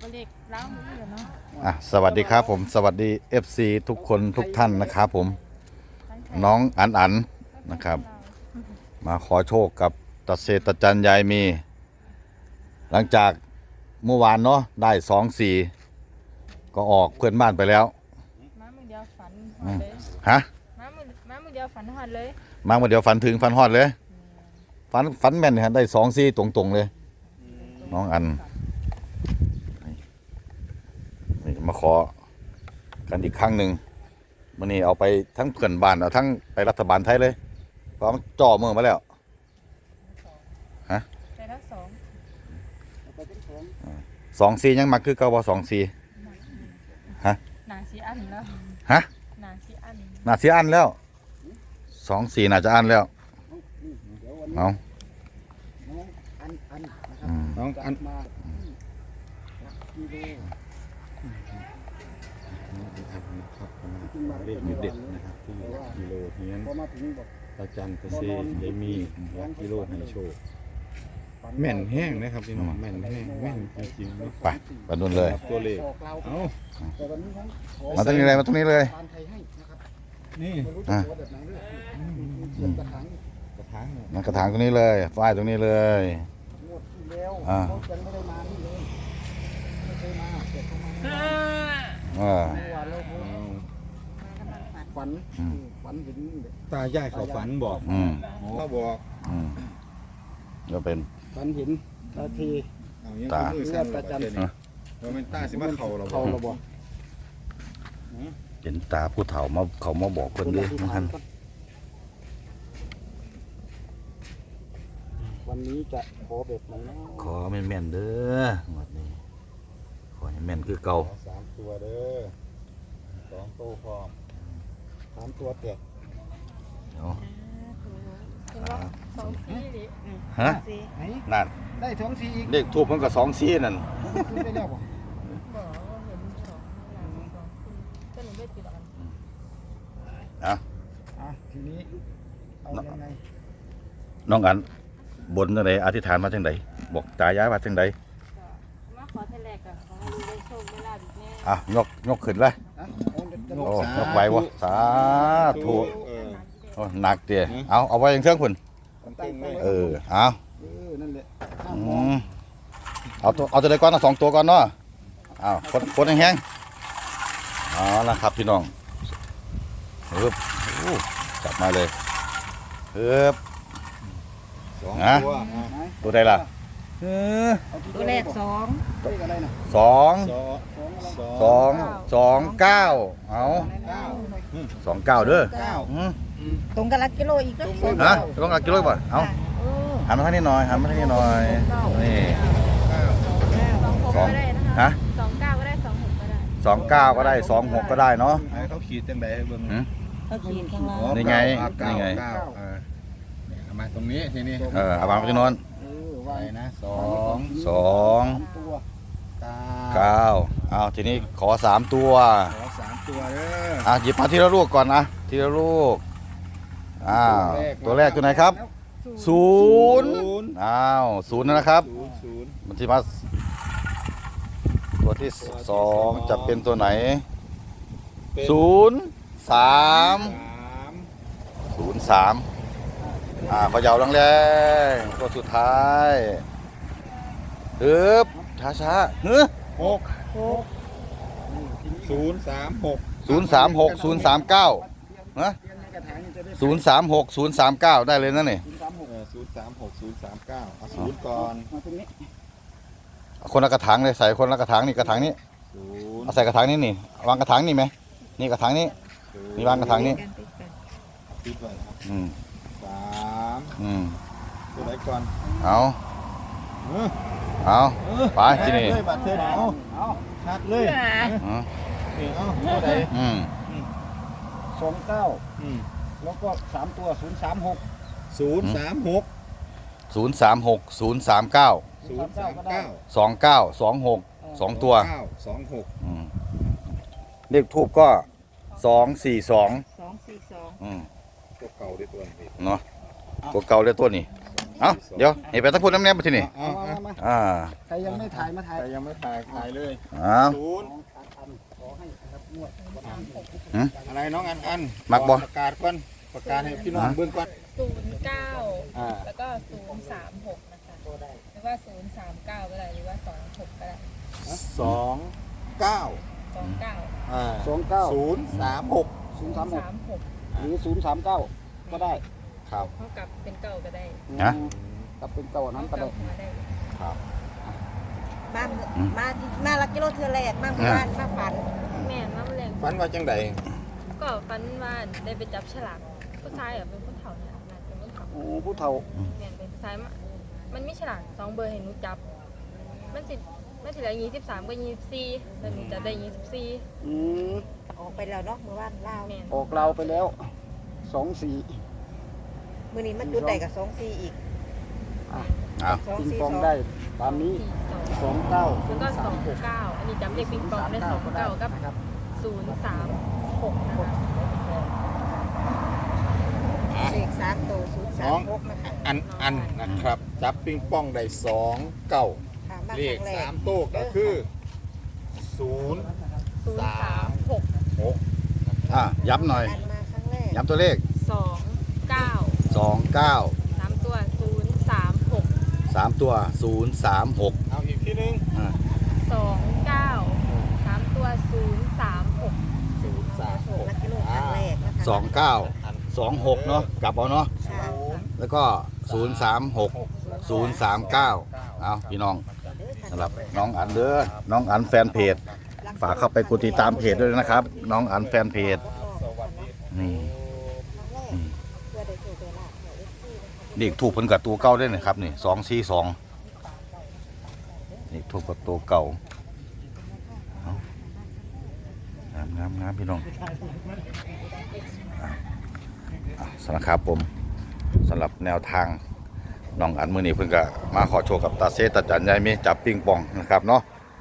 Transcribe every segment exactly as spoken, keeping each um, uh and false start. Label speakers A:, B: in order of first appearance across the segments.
A: เลขล้างมือเนาะ
B: อ่ะสวัสดีครับผมสวัสดี เอฟ ซี ทุกคนทุกท่านนะครับผมน้องอันอันนะครับ มาขอโชคกับตาเศรษฐจันยายมี หลังจากเมื่อวานเนาะได้สองสี่ก็ออกเพื่อนบ้านไปแล้ว
A: ม้ามือเดียวฝันหอดเลย
B: ฮะ
A: ม้ามือม้ามือเดียวฝันหอดเลย
B: มาเมื่อเดียวฝันถึงฝันฮอดเลยฝันฝันแม่นฮะได้สองสี่ตรงๆเลยน้องอันนี่มาขอกันอีกครั้งหนึ่งมันนี่เอาไปทั้งเพื่อนบ้านเอาทั้งไปรัฐบาลไทยเลยเพราะมันจ่อเมืองมาแล้วฮะ
A: ไปทั้งสอง
B: สองสี่ยังมาคือเก่าบ่สองสี่ฮะ
A: หนาชีอันแล้ว
B: ฮะ
A: หนาชีอัน
B: น่าเสียอันแล้วสองสี่น่าจะอันแล้วเอา
C: น้องอันมาเลขเด็ดนะครับที่กิโลเฮียนตาจันตะเซยายมีวัดกิโลให้โชคแม่นแห้งนะครับพี่น้องแม่นแห้งแม่นจริงๆ
B: ไปไปนู่นเลย
C: ตัวเลขเอา
B: มาตรงนี้เลยมาตรงนี้เลย
C: นี่
B: อ่ะ
C: กระถาง
B: นั่นกระถางตรงนี้เลยฝ้ายตรงนี้เลยอ่าอ่า
C: ฝันฝันเห็นตายายเขาฝันบอกเขาบอก
B: ก็เป็น
C: ฝันเห็นตาทีตาเลือดตาจันเราเป็นตาสิมาเขาเราเขาเราบอก
B: เห็นตาผู้เฒ่ามาเขามาบอกคนด้วยท่าน
C: วันนี้จะขอแบบไหน
B: ขอแม่นแม่นเด้อวันนี้ขอให้แม่นคือเก่า
C: สามตัวเด้อสองโตพร้อมสามตัวแตก
A: สองสี่ดิ
B: ฮะนั่น
C: ได้สองสี่อีก
B: เลขทูบมันก็สองสี่นั่น
C: ได้แล้วบ่
A: บอกว่าเห็นสองหลังสองสี่ก็หนูไม่ติดกัน
B: อ่ะ
C: อ่ะทีนี้เอายังไง
B: น้องอันบนจังไดอธิษฐานมาจังไดบอกตายายว่าจังได
A: มาขอเทเลกอ่ะขอให้ได้โชคได้ลาภอีกแน่
B: อ่ะยกยกขึ้นเลยโอ้ยกไหววะสาธุโอ้หนักเตี้ยเอาเอาไว้ยังเครื่องคุณเออเอาเอาตัวเอาตัวใดก่อนเอาสองตัวก่อนเนาะเอาคนคนแห้งๆเอาละครับพี่น้องเฮ้ยจับมาเลยเฮ้ยนะตัวใดล่ะ
A: ตัวแรกสอง
B: สองสองสองเก้าเอาสองเก้าเด้อ
A: ตรงกับลักกิโลอีกแล้ว
B: ฮะต้องลักกิโลป่ะเอาหันมาทางนี้หน่อยหันมาทางนี้หน่อยนี่สองฮะ
A: สองเก้าก็ได้สองหกก็ได้
B: สองเก้าก็ได้สองหกก็ได้เนาะ
C: เขาขีดจังไดเบิ่ง
A: เขาขีดข้างล่าง
B: นี่ไงนี่ไง
C: เอามาตรงนี้ทีนี้
B: เออเอาวางไปที่โน้น
C: ไว้นะสอง
B: สองเก้าเอาทีนี้ขอสามตัว
C: ขอสามตัวเด้อ
B: อ่ะหยิบมาทีละลูกก่อนนะทีละลูกอ้าวตัวแรกตัวไหนครับศูนย์อ้าวศูนย์นะครับมันที่มาตัวที่สองจะเป็นตัวไหนศูนย์สามศูนย์สามอ่าเขย่าแรงๆตัวสุดท้ายฮึบช้าช้าฮึ
C: หกศูนย์สามหก
B: ศูนย์สามหกศูนย์สามเก้าฮะศูนย์สามหกศูนย์สามเก้าได้เลยนะนี่
C: ศูนย์สามหกศูนย์สามเก้าเอาศูนย์ก่อน
B: คนละกระถางเลยใส่คนละกระถางนี่กระถางนี้เอาใส่กระถางนี้นี่วางกระถางนี่ไหมนี่กระถางนี้นี่วางกระถางนี้
C: ติดไว้
B: อืม
C: สาม
B: อืม
C: ตัวไหนก่อน
B: เอาเอาไปที่นี่
C: บัตรเธอเอาชัดเลย
B: เอา
C: ตัวไหน
B: อืม
C: สองเก้าแล้วก็สามตัวศูนย์สามหกศูนย์สามหก
B: ศูนย์สามหกศูนย์สามเก้า
C: ศูนย์สามเก้า
B: สองเก้าสองหกสองตัว
C: สองหก
B: เลขทูบก็สองสี่สอง
A: สองสี่สอง
C: ตัวเก่าได้ตัวนี้
B: เนาะตัวเก่าได้ตัวนี้
C: ส
B: เอาเดี๋ยวให้ไปทั้งพูดน้ำแนบมาที่นี่
C: เอา
D: มา
C: เอา
D: มา
B: อ่า
D: ใครยังไม่ถ่ายมาถ่าย
C: แต่ยังไม่ถ่ายถ่ายเลย
B: เอา
C: ศูนย์
D: ขอให้นะครับงวด
C: อะไรน้องอันอัน
B: มักบ่
C: ประกาศก่อนประกาศให้พี่น้องเบื้องก่อน
A: ศูนย์เก้า
C: อ่า
A: แล้วก็ศูนย์สามหกนะคะหรือว่าศูนย์สามเก้าก็ได้หรือว่าสองหกก็ได้
C: สองเก้า
A: สองเก้า
C: อ่า
D: สองเก้า
C: ศูนย์สามหก
D: ศูนย์สามหก
A: สามหก
D: หรือศูนย์สามเก้าก็ได้
C: ครับ
A: เท่ากับเป็นเก้าก็ได้
B: ฮะ
D: กลับเป็นเก่านั้นก็
A: เท่า
D: ได้
A: กับมาได้
C: ครับ
E: มามาที่มาลักกิโลเทือแรกมาหมู่บ้านมาฝัน
A: แม่นมาเรียน
C: ฝันว่าจังใด
A: ก็ฟันว่าได้ไปจับฉลากผู้ชายอ่ะเป็นผู้เฒ่าเนี่ยน่าจะเป็นผู้เฒ่า
D: โอ้ผู้เฒ่า
A: แม่นเป็นผู้ชายมามันมีฉลากสองเบอร์ให้หนูจับ มันสิมันสิเหลือยี่สิบสามกับยี่สิบสี่แต่หนูจับได้ยี่สิบสี่
D: อืม
E: ออกไปแล้วเนาะหมู่บ้านลาว
A: แม่น
D: ออกเราวไปแล้วสองสี่
E: มื้อนี้มันจุดใดกับสองสี่อีก
D: อ่ะ
B: เอา
E: สอง
D: ปิง
E: สี่
D: ปอง
E: สอง
D: ได้ตามนี้
A: สี่สอง
D: สองเก้าศู
A: แล้ว
D: น
A: ก็
D: ย์
A: ส
D: สา
A: อ
D: ม
A: ง
D: หก
A: เก้าอันนี้จำเลขปิงปองได้สองเก้ากับ
D: นะครับ
A: ศูนย์สามหกนะคะ
E: เลขสามตัวศูนย์สามหกนะคะ
C: อันอันนะครับ จับปิงปองได้สองเก้า
E: ค่ะมา
C: เล
E: ค
C: ข
E: รั้งแรก
C: สามโต๊ะก็คือศูนย์
A: ศูนย์สามหก
C: หก
B: อ่ะย้ำหน่อย
E: อันมาครั้งแรก
B: ย้ำตัวเลข
A: สองเก้า
B: สองเก้า
A: สามตัวศูนย์สามหก
B: สามตัวศูนย์สามหก
C: เอาอีกทีหนึง
B: อ่า
A: สองเก้าสามตัวศูนย์สามหก
C: ศูนย์สามหก
E: ลักกิโลครั้งแรกนะคะ
B: สองเก้าสองหกเนาะกลับเอาเนาะ
E: ค่ะ
B: แล้วก็ศูนย์สามหกศูนย์สามเก้าเอาพี่น้องสำหรับน้องอันเด้อน้องอันแฟนเพจ ฝากเข้าไปกดติดตามเพจด้วยนะครับ น้องอันแฟนเพจนี่
E: เพื่อได้โชว์เวลาของเอฟซีนะคะ
B: เด็กถูกเพิ่นกับตัวเก่าได้นะครับนี่สองสี่สองเด็กถูกกับตัวเก่าเอางามงามงามพี่น้องอ่ะอ่ะสำหรับครับผมสำหรับแนวทางน้องอันมือนี้เพิ่นก็มาขอโชว์กับตาเซตาจันยายมีจับปิงปองนะครับเนาะ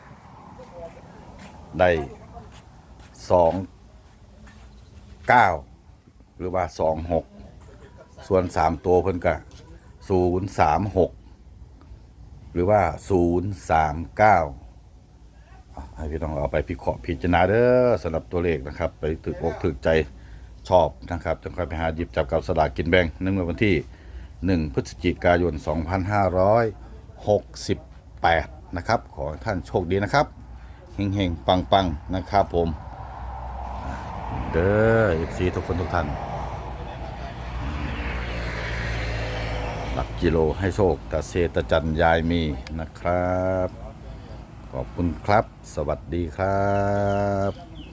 B: ได้สองเก้าหรือว่าสองหกส่วนสามตัวเพิ่นก็ศูนย์สามหกหรือว่าศูนย์สามเก้าให้พี่น้องเอาไปพิเคราะห์พิจารณาเด้อสำหรับตัวเลขนะครับ ไปถึกอกถึกใจชอบนะครับจะค่อยไปหาหยิบจับกับสลากกินแบ่งในวันที่หนึ่งพฤศจิกายนสองพันห้าร้อยหกสิบแปดนะครับขอให้ท่านโชคดีนะครับเฮงๆปังๆนะครับผมเด้อเอฟซีทุกคนทุกท่านหลักกิโลให้โชคตาเซตาจันยายมีนะครับขอบคุณครับสวัสดีครับ